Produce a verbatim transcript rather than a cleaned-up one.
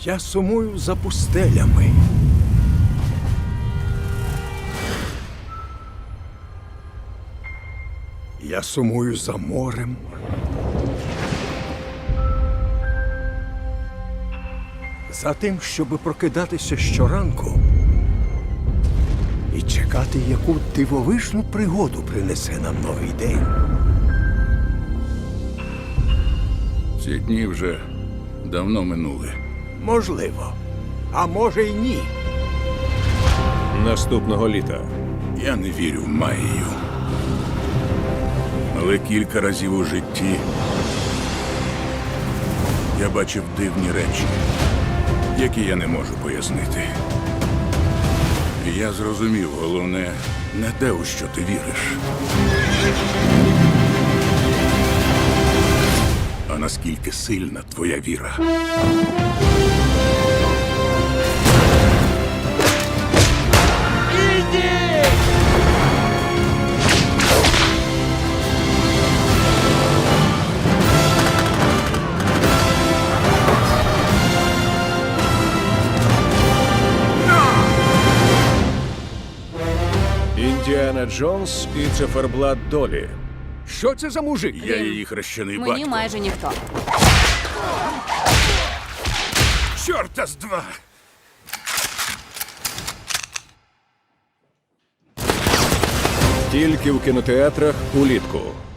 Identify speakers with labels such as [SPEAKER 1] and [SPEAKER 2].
[SPEAKER 1] Я сумую за пустелями. Я сумую за морем. За тим, щоб прокидатися щоранку і чекати, яку дивовижну пригоду принесе нам новий день.
[SPEAKER 2] Ці дні вже давно минули.
[SPEAKER 1] Можливо. А може й ні.
[SPEAKER 3] Наступного літа.
[SPEAKER 2] Я не вірю в магію. Але кілька разів у житті я бачив дивні речі, які я не можу пояснити. І я зрозумів, головне, не те, у що ти віриш, а наскільки сильна твоя віра.
[SPEAKER 3] Індіана Джонс і циферблат долі.
[SPEAKER 1] Що це за мужик?
[SPEAKER 2] Я її хрещений
[SPEAKER 4] Мені
[SPEAKER 2] батько.
[SPEAKER 4] майже ніхто.
[SPEAKER 2] Чорта з два!
[SPEAKER 3] Тільки в кінотеатрах улітку.